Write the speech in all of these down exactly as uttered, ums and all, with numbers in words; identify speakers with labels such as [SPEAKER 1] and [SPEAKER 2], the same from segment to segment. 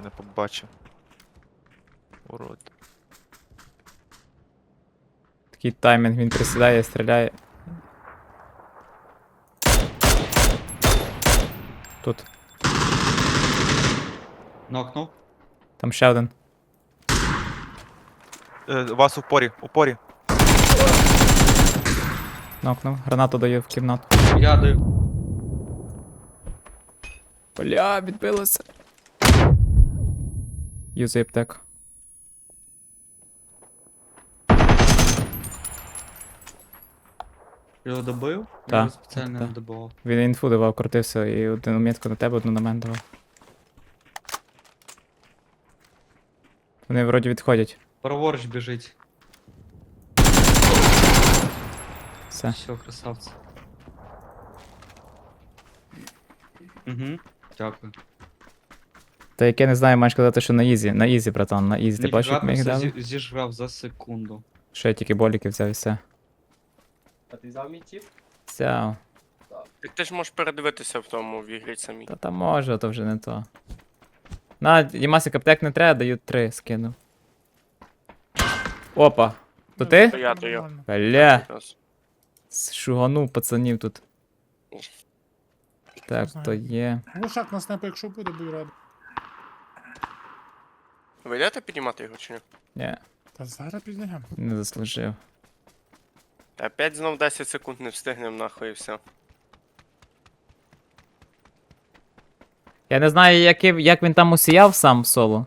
[SPEAKER 1] не побачив. Урод.
[SPEAKER 2] Такий таймінг, він присідає, стріляє. Тут.
[SPEAKER 3] Нокнув.
[SPEAKER 2] Там ще один.
[SPEAKER 1] Е, вас у порі, у порі.
[SPEAKER 2] Нокнув. Гранату даю в кімнату.
[SPEAKER 3] Я даю.
[SPEAKER 2] Бля, відбилося. Юзай аптеку.
[SPEAKER 3] Його добив?
[SPEAKER 2] Так,
[SPEAKER 3] Я його спеціально
[SPEAKER 2] так.
[SPEAKER 3] не добивав.
[SPEAKER 2] Він інфу давав, крутився і одну метку на тебе, одну на мене давав. Вони вроді відходять.
[SPEAKER 3] Праворуч біжить.
[SPEAKER 2] Все.
[SPEAKER 3] Все, красавці. Угу. Дякую.
[SPEAKER 2] Та як я не знаю, маєш казати, що на ізі. На ізі, братан, на ізі. Ти бачиш, як ми їх
[SPEAKER 3] Ніфіга
[SPEAKER 2] дали?
[SPEAKER 3] зі- зіжрав за секунду.
[SPEAKER 2] Що я тільки боліки взяв і все.
[SPEAKER 4] А ти взяв мій чіп?
[SPEAKER 2] Взяв.
[SPEAKER 5] Так ти ж можеш передивитися в тому в ігрі самій.
[SPEAKER 2] Та там може, то вже не то. На, Дімасик, аптек не треба, даю три, скину. Опа. То
[SPEAKER 5] То
[SPEAKER 2] ти?
[SPEAKER 5] я, то я.
[SPEAKER 6] Нормально.
[SPEAKER 2] Бля,
[SPEAKER 5] Якраз.
[SPEAKER 2] шуганув пацанів тут. Так,
[SPEAKER 6] знаю.
[SPEAKER 2] то є.
[SPEAKER 6] Глушак на снайпу, якщо буде, будь радий.
[SPEAKER 5] Ви йдете піднімати його чи ні?
[SPEAKER 2] Ні,
[SPEAKER 6] Та зараз підняємо.
[SPEAKER 2] не заслужив.
[SPEAKER 5] Та опять знов десять секунд не встигнем нахуй і все.
[SPEAKER 2] Я не знаю, як, і- як він там усіяв сам в соло.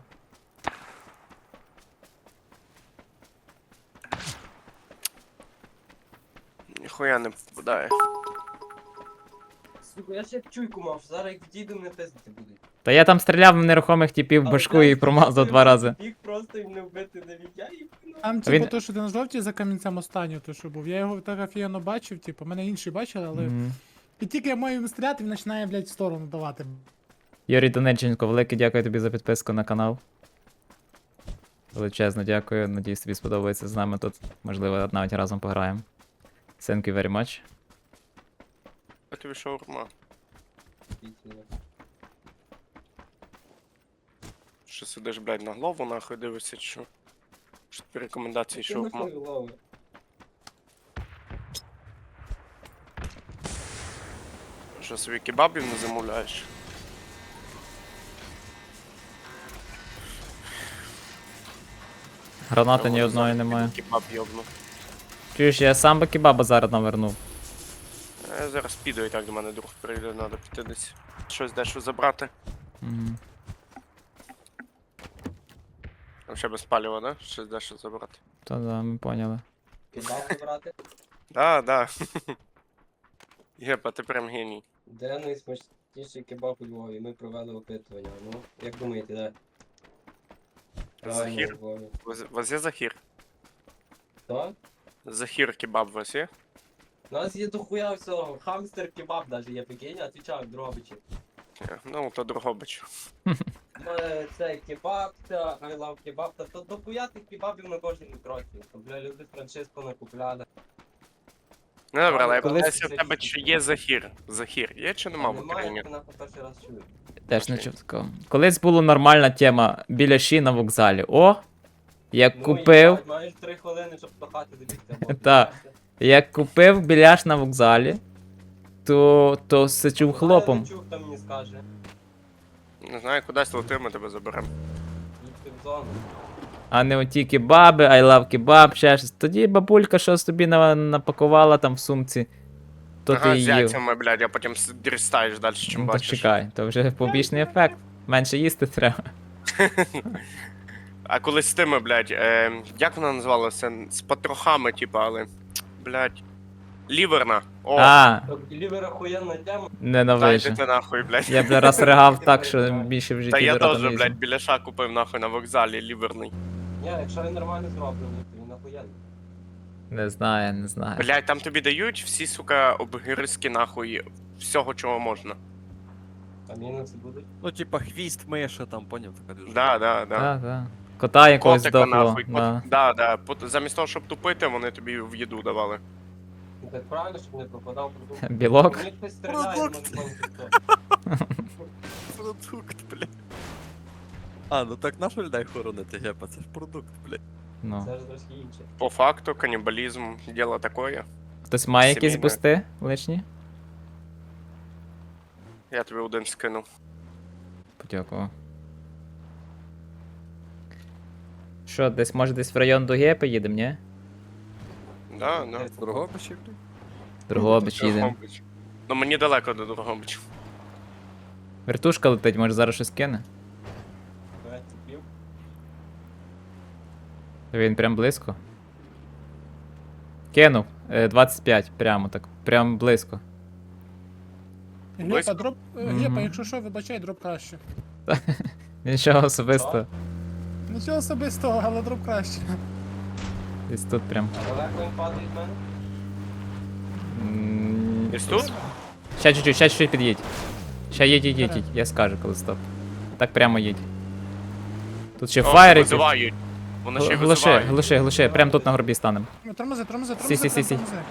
[SPEAKER 5] Ніхуя не попадає.
[SPEAKER 4] Сука, я ще як чуйку мав, зараз як відійду, мене пиздити будуть.
[SPEAKER 2] Та я там стріляв в нерухомих типів в башку і промазав два рази.
[SPEAKER 4] Їх просто їм не вбити навіть, я їх ну.
[SPEAKER 6] Там,
[SPEAKER 2] А
[SPEAKER 6] типу,
[SPEAKER 2] він-
[SPEAKER 6] то, що ти на жовті за камінцем останню, то що був. Я його так офігенно бачив, типу, мене інші бачили, але.
[SPEAKER 2] Мгм.
[SPEAKER 6] І тільки я маю йому стріляти, він починає, блядь, в сторону давати.
[SPEAKER 2] Юрій Донеченко, велике дякую тобі за підписку на канал. Величезно дякую. Надіюсь, тобі сподобається з нами тут. Можливо, навіть разом пограємо. Thank you very much.
[SPEAKER 5] Я тобі шаурма. Що сидиш, блядь, на голову нахуй дивишся, чи що? Що тобі рекомендації
[SPEAKER 4] Що
[SPEAKER 5] шаурма?
[SPEAKER 4] нахуй лови?
[SPEAKER 5] Що собі кебабів не замовляєш?
[SPEAKER 2] Гранати ні
[SPEAKER 5] Я
[SPEAKER 2] одної
[SPEAKER 5] зараз
[SPEAKER 2] немає.
[SPEAKER 5] піду Кебаб йобну.
[SPEAKER 2] Чуєш, я сам би кебаба зараз навернув.
[SPEAKER 5] Я зараз піду і так до мене друг прийде, треба піти десь. Щось дещо забрати.
[SPEAKER 2] Мгм.
[SPEAKER 5] Там ще без палива, да? Щось дещо забрати.
[SPEAKER 2] Та да, ми поняли.
[SPEAKER 4] Кидав забрати?
[SPEAKER 5] Да, да. Єпа, ти прям геній.
[SPEAKER 4] Де найсмачніший кебаб у Львові? Ми провели опитування. Ну, як думаєте, де? Правильно,
[SPEAKER 5] Захір?
[SPEAKER 4] у Львові.
[SPEAKER 5] У вас- у вас є захір?
[SPEAKER 4] Хто?
[SPEAKER 5] Захір кебаб у вас є?
[SPEAKER 4] У нас є дохуя всього. Хамстер кебаб навіть є, прикинь, отвічаю, Дрогобичі.
[SPEAKER 5] Ні, ну, то Дрогобич.
[SPEAKER 4] Е, Це кебаб, це I love кебаб, та то дохуя тих кебабів на кожному кроці. То, бля, люди франшизку накупляли.
[SPEAKER 5] Ну добре, але я
[SPEAKER 4] Колись
[SPEAKER 5] питаюся в
[SPEAKER 4] це
[SPEAKER 5] тебе,
[SPEAKER 4] чисто.
[SPEAKER 5] чи є захір. Захір є чи нема в
[SPEAKER 4] Немає,
[SPEAKER 5] Україні?
[SPEAKER 4] я нахуй перший раз чую.
[SPEAKER 2] Теж не
[SPEAKER 5] Окей.
[SPEAKER 2] чув такого. Колись була нормальна тема біля ші на вокзалі. О! Як
[SPEAKER 4] Ну,
[SPEAKER 2] купив.
[SPEAKER 4] їбать, маєш три хвилини, щоб до хати добігти.
[SPEAKER 2] Та. Як купив біляш на вокзалі, то, то сичув хлопом.
[SPEAKER 4] Я не чув, хто мені скаже.
[SPEAKER 5] Не знаю, кудись лети, ми тебе заберемо.
[SPEAKER 4] Їдьте в зону.
[SPEAKER 2] А не оті кебаби, I love кебаб, ще щось. Тоді бабулька щось тобі на- напакувала там в сумці. То
[SPEAKER 5] ага,
[SPEAKER 2] ти
[SPEAKER 5] з
[SPEAKER 2] їв.
[SPEAKER 5] яйцями, блядь, а потім с- дістаєш далі, чим
[SPEAKER 2] Ну, то
[SPEAKER 5] бачиш.
[SPEAKER 2] чекай, то вже побічний ефект. Менше їсти треба.
[SPEAKER 5] А колись з тими, блядь, е, як вона називалася? З потрохами, типа, але. Блядь. Ліверна. О,
[SPEAKER 2] А,
[SPEAKER 4] Тобто лівер охуєнна тема.
[SPEAKER 2] ненавижу.
[SPEAKER 5] дайте ти нахуй, блядь.
[SPEAKER 2] Я б раз ригав так, що більше в житті
[SPEAKER 5] Та я
[SPEAKER 2] до рота
[SPEAKER 5] теж,
[SPEAKER 2] не
[SPEAKER 5] блядь,
[SPEAKER 2] візьму.
[SPEAKER 5] біляша купив нахуй на вокзалі, ліверний.
[SPEAKER 4] Ні, якщо він нормально зроблений, то він охуєнний.
[SPEAKER 2] Не знаю, не знаю.
[SPEAKER 5] Блядь, там тобі дають всі, сука, обгризки нахуй всього, чого можна.
[SPEAKER 4] А мінуси будуть.
[SPEAKER 7] Ну, типа хвіст миша там, поняв, така дуже.
[SPEAKER 5] Да, да, да.
[SPEAKER 2] Так, так. Кота якогось
[SPEAKER 5] Котика
[SPEAKER 2] здохло.
[SPEAKER 5] нахуй. Кот...
[SPEAKER 2] Да.
[SPEAKER 5] Да, да. Пот- Замість того, щоб тупити, вони тобі в їду давали.
[SPEAKER 4] Ну, так правильно, щоб не пропадав продукт.
[SPEAKER 2] Білок?
[SPEAKER 4] Мені хтось стріляє,
[SPEAKER 7] Продукт.
[SPEAKER 4] ну, не знаю, хто.
[SPEAKER 7] Продукт, блядь. А, ну так нащо людей хоронити, гепа, це ж продукт, блядь.
[SPEAKER 2] Ну.
[SPEAKER 4] Це ж трошки інше.
[SPEAKER 5] По факту, канібалізм, діло такое.
[SPEAKER 2] Хтось має якісь
[SPEAKER 5] Сімейне.
[SPEAKER 2] бусти лишні?
[SPEAKER 5] Я тобі один скинув.
[SPEAKER 2] Подякував. Що, десь, може десь в район Дуге поїдемо, ні?
[SPEAKER 5] Да, да.
[SPEAKER 7] Дрогобичі, блядь.
[SPEAKER 2] Дрогобич їдемо.
[SPEAKER 5] Дрогобич. Ну мені далеко до Дрогобича.
[SPEAKER 2] Вертушка летить, може зараз щось кине?
[SPEAKER 4] Давайте пів.
[SPEAKER 2] Він прям близько. Кинув. Е, двадцять п'ять, прямо так. Прям близько.
[SPEAKER 6] Гепа,
[SPEAKER 5] Близько?
[SPEAKER 6] дроп. е,
[SPEAKER 2] Мгм.
[SPEAKER 6] Гепа, якщо що, вибачай, дроп краще.
[SPEAKER 2] Нічого особистого.
[SPEAKER 6] Нічого особистого, але дроп краще.
[SPEAKER 2] Десь тут прям.
[SPEAKER 4] А далеко він падає від мене?
[SPEAKER 2] М,
[SPEAKER 5] Десь тут?
[SPEAKER 2] Ще чуть-чуть, ще чуть-чуть під'їдь. Ще їдь, їдь, їдь, їдь. Я скажу, коли стоп. Так прямо їдь. Тут ще
[SPEAKER 5] О,
[SPEAKER 2] фаєр якийсь.
[SPEAKER 5] визивають. Вони ще й
[SPEAKER 2] Глуши,
[SPEAKER 5] визивають.
[SPEAKER 2] глуши, глуши. Прям тут на горбі станемо.
[SPEAKER 6] Ну, Тормози, тормози,
[SPEAKER 2] Сі,
[SPEAKER 6] тормози,
[SPEAKER 2] сі, сі, сі.
[SPEAKER 6] прям тормози.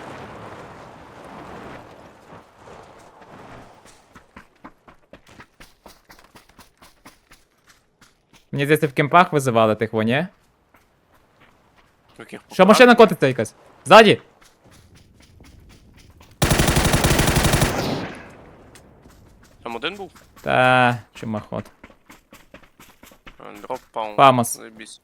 [SPEAKER 2] Мені здається, в кемпах визивали тих во, ні?
[SPEAKER 5] Яких
[SPEAKER 2] Що, машина котиться якась? Ззаді!
[SPEAKER 5] Там один був?
[SPEAKER 2] Та, чумахот.
[SPEAKER 5] А, Дроп паун.
[SPEAKER 2] Фамос.
[SPEAKER 5] Заєбісь.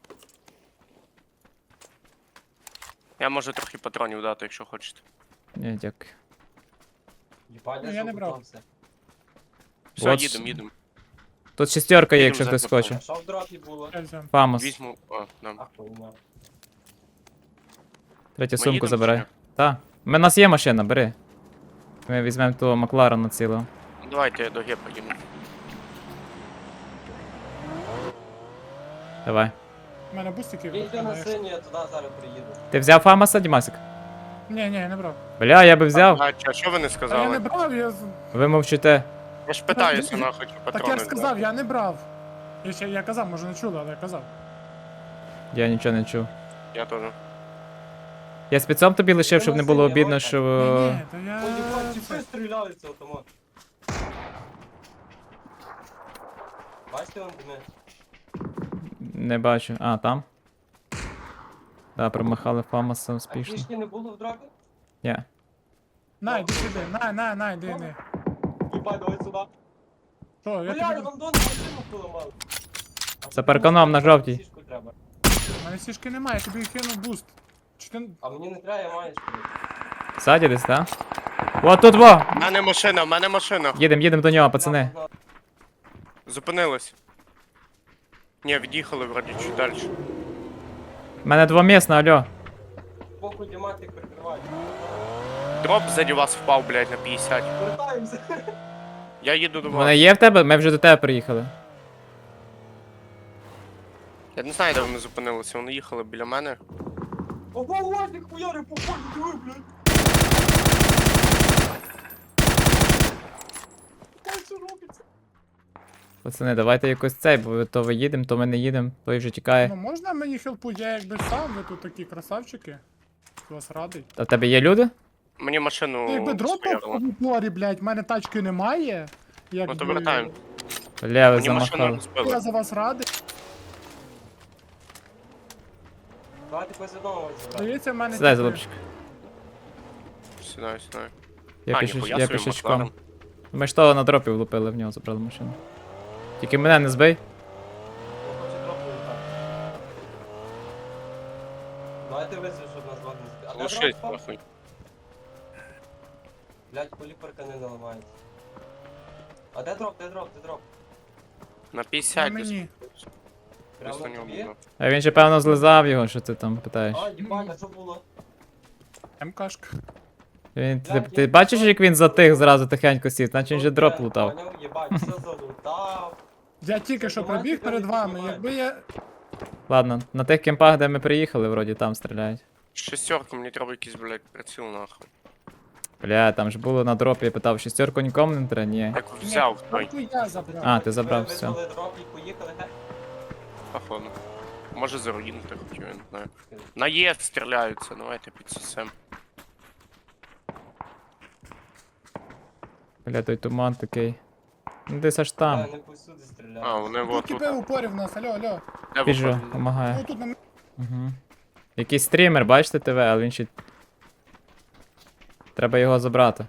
[SPEAKER 5] Я можу трохи патронів дати, якщо хочете.
[SPEAKER 2] Ні, дякую.
[SPEAKER 4] Їбать,
[SPEAKER 6] Ну, я не брав.
[SPEAKER 4] готувався.
[SPEAKER 5] Все,
[SPEAKER 2] От
[SPEAKER 5] їдемо, їдемо.
[SPEAKER 2] Тут шестерка є,
[SPEAKER 5] Їдемо
[SPEAKER 2] якщо
[SPEAKER 5] за
[SPEAKER 2] хтось
[SPEAKER 5] картоном.
[SPEAKER 2] хоче.
[SPEAKER 4] А що в дропі було?
[SPEAKER 6] Я взяв.
[SPEAKER 2] Фамос.
[SPEAKER 5] Візьму. А, да.
[SPEAKER 4] А, хуйня.
[SPEAKER 2] Третю
[SPEAKER 5] Ми
[SPEAKER 2] сумку
[SPEAKER 5] їдемо
[SPEAKER 2] забирай.
[SPEAKER 5] чи ні?
[SPEAKER 2] Та. У нас є машина, бери. Ми візьмемо того Макларена цілого.
[SPEAKER 5] Давайте я до гепа їду.
[SPEAKER 2] Давай.
[SPEAKER 6] У мене бустики.
[SPEAKER 4] Їдьте на синю, я туди зараз приїду.
[SPEAKER 2] Ти взяв Фамоса, Дімасик?
[SPEAKER 6] Ні, ні, я не брав.
[SPEAKER 2] Бля, я би взяв.
[SPEAKER 5] А, а що ви не
[SPEAKER 6] Та я не
[SPEAKER 5] сказали?
[SPEAKER 6] брав, я. з-
[SPEAKER 2] Ви мовчите.
[SPEAKER 5] Я ж питаюся,
[SPEAKER 6] Так,
[SPEAKER 5] нахуй, чи
[SPEAKER 6] Так
[SPEAKER 5] патрони.
[SPEAKER 6] я ж сказав, я не брав. Я, ще, я казав, може не чули, але я казав.
[SPEAKER 2] Я нічого не чув.
[SPEAKER 5] Я теж.
[SPEAKER 2] Я спецом тобі лишив, щоб не було
[SPEAKER 4] Виносив,
[SPEAKER 2] обідно,
[SPEAKER 4] я
[SPEAKER 2] що.
[SPEAKER 6] Ні, ні, то я.
[SPEAKER 4] Ой, їбать, чіпи стріляли з автомат. Бачите вам дими?
[SPEAKER 2] Не бачу. А, там? Да, промахали Фамоса
[SPEAKER 4] А
[SPEAKER 2] успішно.
[SPEAKER 4] фішки не було в дропі?
[SPEAKER 2] Ні.
[SPEAKER 6] На, йди сюди, на, на, на, йди, йди.
[SPEAKER 4] Їбать, давай сюди.
[SPEAKER 6] Що, я
[SPEAKER 4] Бля,
[SPEAKER 6] тобі.
[SPEAKER 4] вам дону машину поламали. А
[SPEAKER 2] За парканом на жовтій.
[SPEAKER 4] сішку треба.
[SPEAKER 6] У мене сішки немає, я тобі кинув буст. Чи ти.
[SPEAKER 4] А мені не треба, я маю що.
[SPEAKER 2] Ззаді десь, так? О, тут во!
[SPEAKER 5] У мене машина, в мене машина.
[SPEAKER 2] Їдем, їдем до нього, пацани.
[SPEAKER 5] Зупинилась. Ні, від'їхали вроді чуть далі.
[SPEAKER 2] У мене двомісна, алло.
[SPEAKER 4] Похуй діматик прикривай.
[SPEAKER 5] Дроп ззаді вас впав, блядь, на п'ятдесят.
[SPEAKER 4] Вертаємося.
[SPEAKER 5] Я їду до
[SPEAKER 2] Вона
[SPEAKER 5] вас.
[SPEAKER 2] є в тебе? Ми вже до тебе приїхали.
[SPEAKER 5] Я не знаю, де вони зупинилися. Вони їхали біля мене.
[SPEAKER 4] Ого, ладно, хуяри, по полю, диви, блядь. Ой, що робиться?
[SPEAKER 2] Пацани, давайте якось цей, бо то ви їдемо, то ми не їдемо, той вже тікає.
[SPEAKER 6] Ну можна мені хелпу, я якби сам, ви тут такі красавчики. Вас радий.
[SPEAKER 2] А в тебе є люди?
[SPEAKER 5] Мені машину
[SPEAKER 6] Ну, якби дроп
[SPEAKER 5] споярило.
[SPEAKER 6] в упорі, блядь, в мене тачки немає. Якби...
[SPEAKER 5] Ну то вертаємо.
[SPEAKER 2] Бля, ви
[SPEAKER 5] Мені машину
[SPEAKER 2] замахали.
[SPEAKER 5] розбили.
[SPEAKER 6] Я за вас радий.
[SPEAKER 4] Давайте когось одного забрати.
[SPEAKER 6] Здається, в мене.
[SPEAKER 2] Сідай,
[SPEAKER 6] типу,
[SPEAKER 2] залупчик.
[SPEAKER 5] Сідаю, сідаю.
[SPEAKER 2] Я
[SPEAKER 5] А,
[SPEAKER 2] пішоч-
[SPEAKER 5] ніхуя
[SPEAKER 2] я
[SPEAKER 5] собі,
[SPEAKER 2] пішечком.
[SPEAKER 5] Макларен.
[SPEAKER 2] Ми ж того на дропі влупили, в нього забрали машину. Тільки мене не збий.
[SPEAKER 4] Я хочу дроп летати. Давайте визвіть, щоб нас вогнем збити. А де
[SPEAKER 5] Глушить,
[SPEAKER 4] дроп впав?
[SPEAKER 5] нахуй.
[SPEAKER 4] Блядь, поліпарка не наламається. А де дроп, де дроп, де дроп?
[SPEAKER 5] На
[SPEAKER 6] На
[SPEAKER 5] п'ятдесят десь.
[SPEAKER 6] мені.
[SPEAKER 4] Прямо
[SPEAKER 5] Просто
[SPEAKER 4] на
[SPEAKER 5] нього
[SPEAKER 4] тобі?
[SPEAKER 5] було.
[SPEAKER 2] А він же певно злизав його, що ти там питаєш.
[SPEAKER 4] А, їбать, а що було?
[SPEAKER 6] МКшка.
[SPEAKER 2] Він, ти, ти бачиш, як він затих зразу тихенько сів, наче він же дроп лутав.
[SPEAKER 4] Поняв, їбать, все залутав.
[SPEAKER 6] Я тільки що
[SPEAKER 4] Знімайте,
[SPEAKER 6] пробіг перед
[SPEAKER 4] кажуть,
[SPEAKER 6] вами.
[SPEAKER 4] знімайте.
[SPEAKER 6] Якби я.
[SPEAKER 2] Ладно, на тих кемпах, де ми приїхали, вроді там стріляють.
[SPEAKER 5] Шестерка, мені треба якийсь, блядь, приціл нахуй.
[SPEAKER 2] Бля, там ж було на дропі, я питав, шістерку нікому не треба? Ні.
[SPEAKER 5] Так взяв той,
[SPEAKER 6] Ні, я забрав.
[SPEAKER 2] А, ти забрав,
[SPEAKER 4] Ви
[SPEAKER 2] все.
[SPEAKER 4] визвали дроп і поїхали, ге?
[SPEAKER 5] походу. Може за руїну ти хотів, я не знаю. На Є стріляються, давайте підсосем.
[SPEAKER 2] Бля, той туман такий. Ну, десь аж там.
[SPEAKER 4] А, не повсюди стріляють.
[SPEAKER 5] А, вони
[SPEAKER 6] Тут
[SPEAKER 5] вот тут.
[SPEAKER 6] тіпи в упорі в нас, алло, алло.
[SPEAKER 5] Де
[SPEAKER 2] Біжу,
[SPEAKER 5] виходить?
[SPEAKER 2] помагає.
[SPEAKER 6] Ну тут на
[SPEAKER 2] Угу. Якийсь стрімер, бачите ТВ, але він ще. Треба його забрати.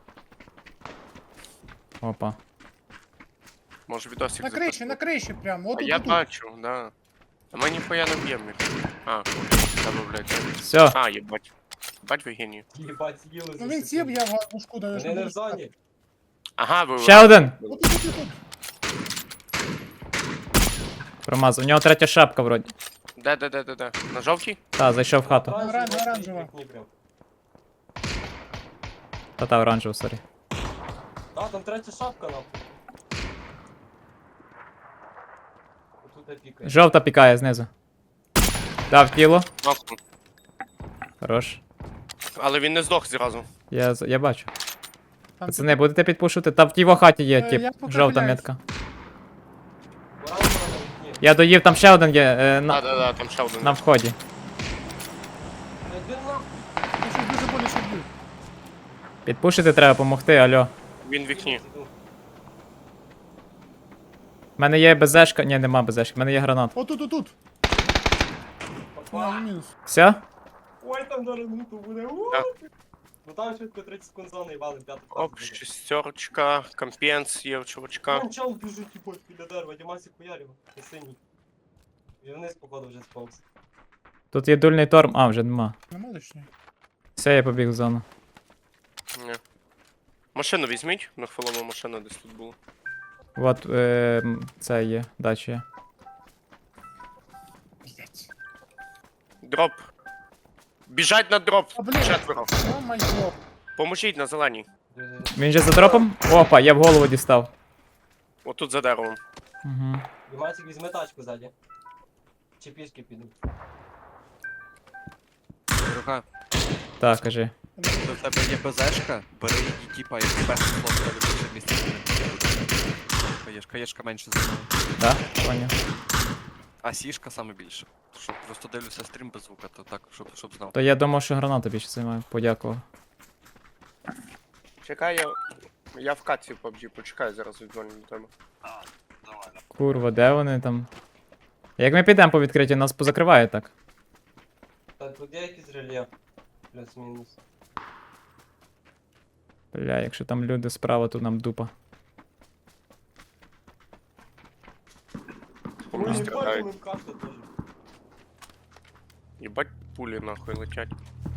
[SPEAKER 2] Опа.
[SPEAKER 5] Може відосик
[SPEAKER 6] на криші, на криші прямо.
[SPEAKER 5] А
[SPEAKER 6] От тут,
[SPEAKER 5] я
[SPEAKER 6] тут.
[SPEAKER 5] бачу, да. А ми ніхуя не б'ємо їх. А, тебе, блядь.
[SPEAKER 2] Все,
[SPEAKER 5] А, їбать. Бать ви геній.
[SPEAKER 4] Їбать, їли за
[SPEAKER 6] Ну він сів,
[SPEAKER 4] секунду.
[SPEAKER 6] я в гарбушку даю.
[SPEAKER 4] Вони не в зоні.
[SPEAKER 5] Ага, ви...
[SPEAKER 2] ще один!
[SPEAKER 6] От тут, тут, тут.
[SPEAKER 2] Промазав. У нього третя шапка вроді.
[SPEAKER 5] Де, де, де, де, де? На жовтій?
[SPEAKER 2] Та, зайшов в хату.
[SPEAKER 4] Оранжева,
[SPEAKER 6] Оран- оранжева.
[SPEAKER 4] вікні прям.
[SPEAKER 2] Та та оранжева, сорі.
[SPEAKER 4] А, там третя шапка нахуй. Отут опікає.
[SPEAKER 2] Жовта пікає знизу. Дав тіло.
[SPEAKER 5] Нокнув.
[SPEAKER 2] Хорош.
[SPEAKER 5] Але він не здох зразу.
[SPEAKER 2] Я, з- я бачу.
[SPEAKER 6] Там
[SPEAKER 2] Пацани, будете підпушувати? Та в його хаті є,
[SPEAKER 6] Е,
[SPEAKER 2] тип.
[SPEAKER 6] я поки
[SPEAKER 2] Жовта
[SPEAKER 6] гуляю.
[SPEAKER 2] метка.
[SPEAKER 4] Оранжева на вікні.
[SPEAKER 2] Я доїв, там ще один є е,
[SPEAKER 5] Да,
[SPEAKER 2] на,
[SPEAKER 5] да, да, там ще один.
[SPEAKER 2] на вході.
[SPEAKER 4] Один нахуй.
[SPEAKER 6] Я щось дуже боляче б'ю.
[SPEAKER 2] Підпушити треба допомогти, алло.
[SPEAKER 5] Він в вікні.
[SPEAKER 2] У мене є безешка. Ні, нема безешки, в мене є гранат.
[SPEAKER 6] От тут, тут, тут.
[SPEAKER 4] Опа.
[SPEAKER 6] На, мінус.
[SPEAKER 2] Все?
[SPEAKER 4] Ой, там зараз минуту буде. У!
[SPEAKER 5] Так.
[SPEAKER 4] Ну там швидко тридцять секунд зони і валим п'яту
[SPEAKER 5] Оп,
[SPEAKER 4] фазу буде.
[SPEAKER 5] шестерочка, компенс є у чувачка.
[SPEAKER 4] Вон чел біжить, їбать, біля дерева, Дімасик хуярів, на синій. Він вниз, походу, вже сповз.
[SPEAKER 2] Тут є дульний торм. А, вже нема.
[SPEAKER 6] Нема лишньої.
[SPEAKER 2] Все, я побіг в зону.
[SPEAKER 5] Ні. Машину візьміть, на хвилову машину десь тут було.
[SPEAKER 2] От е, м, це є, дача є.
[SPEAKER 6] Блять.
[SPEAKER 5] Дроп. Біжать на дроп.
[SPEAKER 6] А, блін.
[SPEAKER 5] Четверо.
[SPEAKER 6] О май год.
[SPEAKER 5] Поможіть на зеленій.
[SPEAKER 2] Він же за дропом? Опа, я в голову дістав.
[SPEAKER 5] Отут за деревом.
[SPEAKER 2] Угу.
[SPEAKER 4] Дімасик візьме тачку ззаді. Чи пішки підуть.
[SPEAKER 7] Рука,
[SPEAKER 2] Так, кажи.
[SPEAKER 7] то в тебе є БЗшка, бери її, типа, як перший слот, в тебе більше місця буде. Каєшка, каєшка менше займає.
[SPEAKER 2] Да? Поняв.
[SPEAKER 7] А сішка саме більше. Щоб просто дивлюся стрім без звука, то так, щоб, щоб знав.
[SPEAKER 2] То я думав, що граната більше займає. Подякував.
[SPEAKER 5] Чекай, я. Я в катці в пабджі, почекай, зараз відзвоню до тебе.
[SPEAKER 2] Курва, де вони там? Як ми підемо по відкритті, нас позакриває так.
[SPEAKER 4] Та тут є якийсь рельєф. Плюс-мінус.
[SPEAKER 2] Бля, якщо там люди справа, то нам дупа.
[SPEAKER 5] По мені стріляють.
[SPEAKER 4] Ой, карта теж.
[SPEAKER 5] Єбать пулі нахуй летять.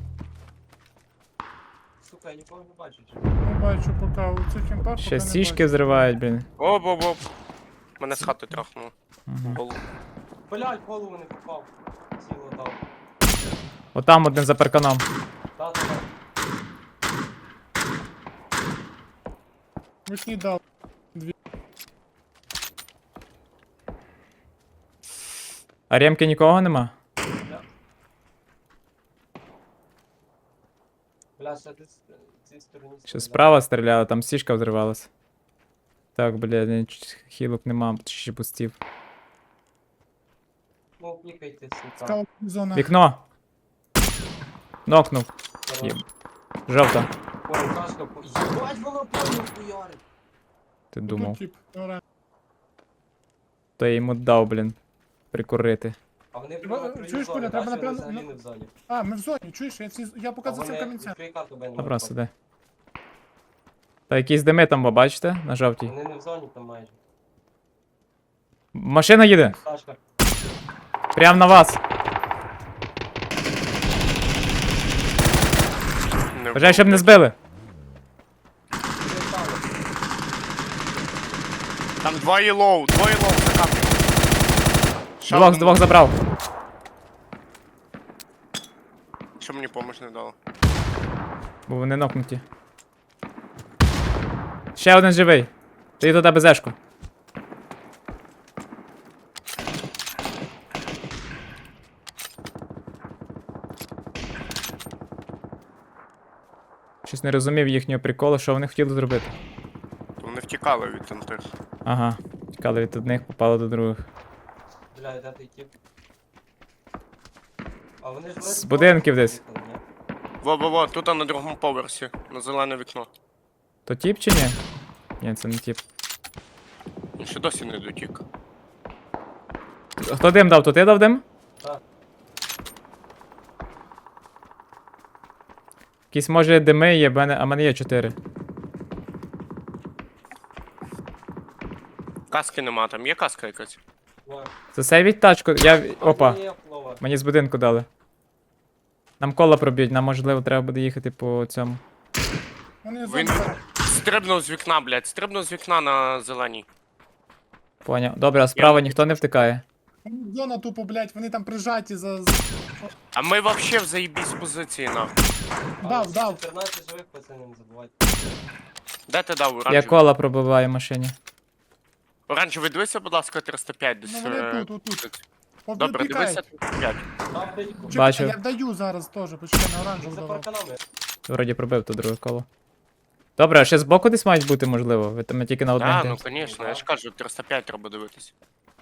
[SPEAKER 4] Сука, я нікого не бачу. чи?
[SPEAKER 6] Не бачу поки у цих кімпах. поки
[SPEAKER 2] Ще
[SPEAKER 6] не
[SPEAKER 2] сішки
[SPEAKER 6] бачу.
[SPEAKER 2] зривають, блін.
[SPEAKER 5] Оп, оп, оп. Мене з хати трахнуло.
[SPEAKER 2] Угу.
[SPEAKER 5] Голову.
[SPEAKER 4] Блять, в голову не попав. Сіло дав.
[SPEAKER 2] Отам один за парканом.
[SPEAKER 4] Та-та-та.
[SPEAKER 6] Вишній дав.
[SPEAKER 2] А ремки нікого нема?
[SPEAKER 4] Бля, ще десь е, в цій стороні.
[SPEAKER 2] Ще
[SPEAKER 4] стріляє.
[SPEAKER 2] справа стріляли, там сішка взривалась. Так, бля, ні, ч- хілок нема, ще пустів.
[SPEAKER 4] Ну, пікайте, сука.
[SPEAKER 6] Скала зона.
[SPEAKER 2] Вікно! Нокнув.
[SPEAKER 4] Хорош.
[SPEAKER 2] Є. Жовта.
[SPEAKER 4] Ой, кашка, по- Єбать, воно повно хуярить.
[SPEAKER 2] Ти
[SPEAKER 6] Тут
[SPEAKER 2] думав.
[SPEAKER 6] тип. Оран.
[SPEAKER 2] То я йому дав, блін. Прикурити.
[SPEAKER 4] А вони
[SPEAKER 6] Треба-
[SPEAKER 4] прямо на краю
[SPEAKER 6] чуєш,
[SPEAKER 4] зони,
[SPEAKER 6] Коля, треба
[SPEAKER 4] бачиш, вони
[SPEAKER 6] напевно-
[SPEAKER 4] взагалі не в зоні.
[SPEAKER 6] А, ми в зоні, чуєш? Я, ці... я поки
[SPEAKER 4] А
[SPEAKER 6] за цим
[SPEAKER 4] вони
[SPEAKER 6] камінцем.
[SPEAKER 4] відкрий карту, бо я не
[SPEAKER 2] Добре,
[SPEAKER 4] можу
[SPEAKER 2] сиди. Та якісь дими там, ви бачите? На жовтій.
[SPEAKER 4] Вони не в зоні там майже.
[SPEAKER 2] Машина їде!
[SPEAKER 4] Сашка.
[SPEAKER 2] Прям на вас!
[SPEAKER 5] Не
[SPEAKER 2] Бажаю, щоб не збили!
[SPEAKER 5] Там два єлоу, два єлоу за каплю. Ще
[SPEAKER 2] Двох з
[SPEAKER 5] один-
[SPEAKER 2] двох забрав.
[SPEAKER 5] Що мені помощь не дало?
[SPEAKER 2] Бо вони нокнуті. Ще один живий. Ти туди безешку. Щось не розумів їхнього приколу, що вони хотіли зробити.
[SPEAKER 5] Вони втікали від тих.
[SPEAKER 2] Ага. Тікали від одних, попали до других.
[SPEAKER 4] Бля, де той тип? А вони ж
[SPEAKER 2] З
[SPEAKER 4] вроді
[SPEAKER 2] будинків
[SPEAKER 4] просто
[SPEAKER 2] десь.
[SPEAKER 4] поїхали, ні?
[SPEAKER 5] Во-во-во, тут на другому поверсі, на зелене вікно.
[SPEAKER 2] То тіп чи ні? Ні, це не тіп.
[SPEAKER 5] Він ще досі не дотік.
[SPEAKER 2] Хто дим дав? То ти дав дим?
[SPEAKER 4] Так.
[SPEAKER 2] Якісь може дими є, бо мене- а в мене є чотири.
[SPEAKER 5] Каски нема, там є каска якась.
[SPEAKER 4] На.
[SPEAKER 2] Засейвіть тачку, я. Опа.
[SPEAKER 4] Є плова.
[SPEAKER 2] Мені з будинку дали. Нам кола проб'ють, нам можливо треба буде їхати по цьому.
[SPEAKER 6] Вони
[SPEAKER 5] Він
[SPEAKER 6] зона,
[SPEAKER 5] стрибнув з вікна, блядь, стрибнув з вікна на зеленій.
[SPEAKER 2] Поняв. Добре, а справа ніхто не втикає.
[SPEAKER 6] зона тупо, блядь, вони там прижаті за... за-
[SPEAKER 5] А ми вообще в заїбісь позиції, нахуй.
[SPEAKER 6] Дав, дав.
[SPEAKER 4] чотирнадцять живих, пацани, не забувайте.
[SPEAKER 5] Де ти дав
[SPEAKER 2] Я
[SPEAKER 5] оранжевий?
[SPEAKER 2] кола пробиваю в машині.
[SPEAKER 5] Оранжевий, дивися, будь ласка, триста п'ять десь.
[SPEAKER 6] Ну, вони
[SPEAKER 5] е,
[SPEAKER 6] тут, отут.
[SPEAKER 5] Добре, дивися,
[SPEAKER 6] Попікають.
[SPEAKER 5] триста п'ять.
[SPEAKER 4] Там дядьку.
[SPEAKER 6] Чекай,
[SPEAKER 2] Бачу.
[SPEAKER 6] Я даю зараз теж, почекай, на оранжеву
[SPEAKER 4] За
[SPEAKER 6] давав.
[SPEAKER 4] парканами.
[SPEAKER 2] Вроді пробив то друге коло. Добре, а ще збоку десь мають бути, можливо. Ви там тільки на одне.
[SPEAKER 5] Так,
[SPEAKER 2] йдете.
[SPEAKER 5] ну звісно, я ж кажу, триста п'ять треба дивитися.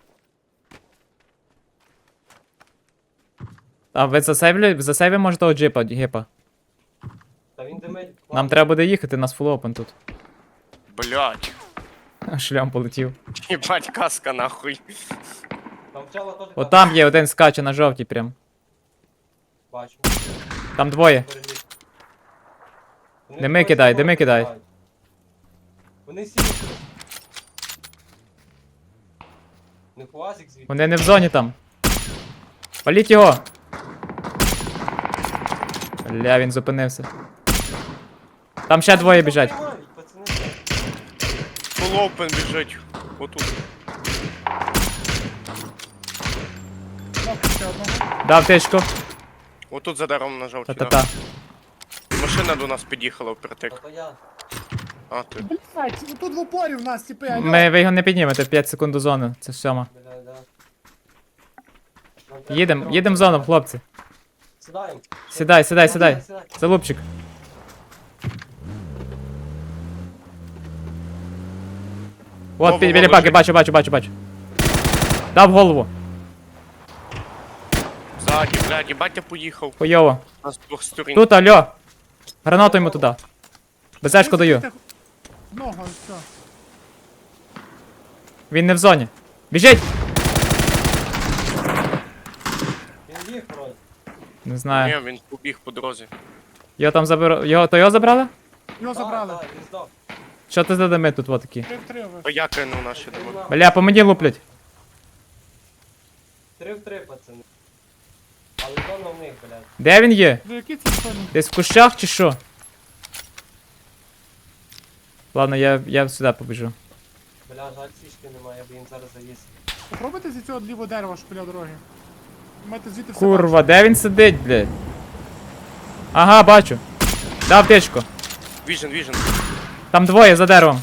[SPEAKER 2] А ви засейвлі, засейві може того джипа, гіпа.
[SPEAKER 4] Та він димить.
[SPEAKER 2] Нам треба буде їхати, нас фул опен тут.
[SPEAKER 5] Блять,
[SPEAKER 2] Шлям полетів.
[SPEAKER 5] їбать каска нахуй.
[SPEAKER 4] Там вчала теж.
[SPEAKER 2] От там є один скаче на жовтій прям.
[SPEAKER 4] Бачу.
[SPEAKER 2] Там двоє.
[SPEAKER 4] Переліз. Вони
[SPEAKER 2] Дими
[SPEAKER 4] двоє
[SPEAKER 2] кидай,
[SPEAKER 4] собою
[SPEAKER 2] дими кидай.
[SPEAKER 4] кидають. Вони сіли. Не хуазик звідти.
[SPEAKER 2] Вони не в зоні там. Паліть його! Бля, він зупинився. Там ще двоє біжать.
[SPEAKER 4] Приймають, пацани.
[SPEAKER 5] Full open біжить. Отут.
[SPEAKER 6] Кнопку ще одного.
[SPEAKER 2] Дав тичку.
[SPEAKER 5] Отут за деревом на жовтій.
[SPEAKER 2] Та-та-та.
[SPEAKER 5] да. Машина до нас під'їхала впритик.
[SPEAKER 4] Та то я.
[SPEAKER 5] А, ти.
[SPEAKER 6] Блядь, тут в упорі в нас, типи, алло.
[SPEAKER 2] Ми, ви його не піднімете, п'ять секунд до зони. Це сьома.
[SPEAKER 4] Бля, да. Нам треба
[SPEAKER 2] Їдем,
[SPEAKER 4] дорогу.
[SPEAKER 2] їдем в зону, хлопці.
[SPEAKER 4] Сідаємо.
[SPEAKER 2] Сідай, сідай, сідай. Залупчик. От,
[SPEAKER 5] Вова,
[SPEAKER 2] пі- біля
[SPEAKER 5] Вова,
[SPEAKER 2] паки,
[SPEAKER 5] жив.
[SPEAKER 2] бачу, бачу, бачу, бачу. Дав голову.
[SPEAKER 5] Ззаді, блядь, їбать я поїхав.
[SPEAKER 2] Хуйово.
[SPEAKER 5] Нас з двох сторін.
[SPEAKER 2] Тут, алло. Гранату йому туди. Безешку даю.
[SPEAKER 6] Ногу, і все.
[SPEAKER 2] Він не в зоні. Біжить!
[SPEAKER 4] Він їх вроді.
[SPEAKER 2] Не знаю.
[SPEAKER 5] Ні, він побіг по дорозі.
[SPEAKER 2] Його там заберу. Його, то його забрали?
[SPEAKER 6] Його
[SPEAKER 4] Так,
[SPEAKER 6] забрали.
[SPEAKER 4] так, він здох.
[SPEAKER 2] Що ти за дими тут, от такі?
[SPEAKER 6] Три в три ви.
[SPEAKER 5] А я кинув наші
[SPEAKER 4] Три
[SPEAKER 5] дома.
[SPEAKER 4] в
[SPEAKER 2] Бля, по мені луплять.
[SPEAKER 4] Три в три, пацани. Але зона в них, блядь.
[SPEAKER 2] Де він є?
[SPEAKER 6] Ви які це соні?
[SPEAKER 2] Десь в кущах чи що? Ладно, я, я сюди побіжу.
[SPEAKER 4] Бля, жаль, сішки немає, я б їм зараз завіз.
[SPEAKER 6] Попробуйте зі цього лівого дерева, що біля дороги. Маєте звідти все
[SPEAKER 2] Курва, де він сидить, блядь? Ага, бачу. Дав тичку.
[SPEAKER 5] Віжен, віжен.
[SPEAKER 2] Там двоє за деревом.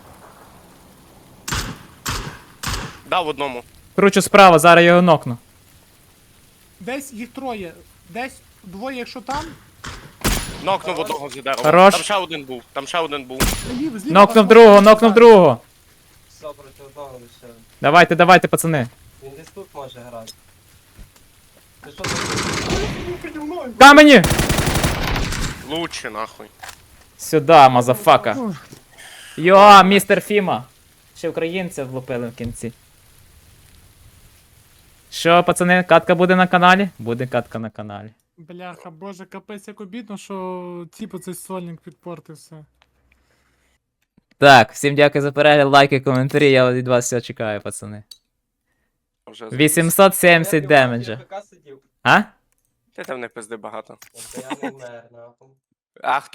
[SPEAKER 5] Дав одному.
[SPEAKER 2] Кручу справа, зараз його нокну.
[SPEAKER 6] Десь їх троє. Десь двоє, якщо там.
[SPEAKER 5] Нокнув одного за деревом.
[SPEAKER 2] Хорош.
[SPEAKER 5] Там ще один був, там ще один був.
[SPEAKER 6] Лів, зліва.
[SPEAKER 2] Нокнув
[SPEAKER 6] там
[SPEAKER 2] другого,
[SPEAKER 6] можна
[SPEAKER 2] нокнув
[SPEAKER 6] грати.
[SPEAKER 2] другого.
[SPEAKER 4] Все проти одного лише.
[SPEAKER 2] Давайте, давайте, пацани.
[SPEAKER 4] Він десь тут може грати. Ти що тут?
[SPEAKER 2] Камені!
[SPEAKER 5] Лучше, нахуй.
[SPEAKER 2] Сюда, мазафака. Йо, містер Фіма. Ще українця влупили в кінці. Що, пацани, катка буде на каналі? Буде катка на каналі.
[SPEAKER 6] Бляха, боже, капець, як обідно, що типу цей сольник підпортився.
[SPEAKER 2] Так, всім дякую за перегляд, лайки, коментарі. Я від вас все чекаю, пацани.
[SPEAKER 5] Вже
[SPEAKER 2] вісімсот сімдесят демеджа.
[SPEAKER 4] Я в ПК сидів.
[SPEAKER 2] А?
[SPEAKER 5] Ти там не пизди багато.
[SPEAKER 4] Тобто я не мер, нахуй.
[SPEAKER 5] А хто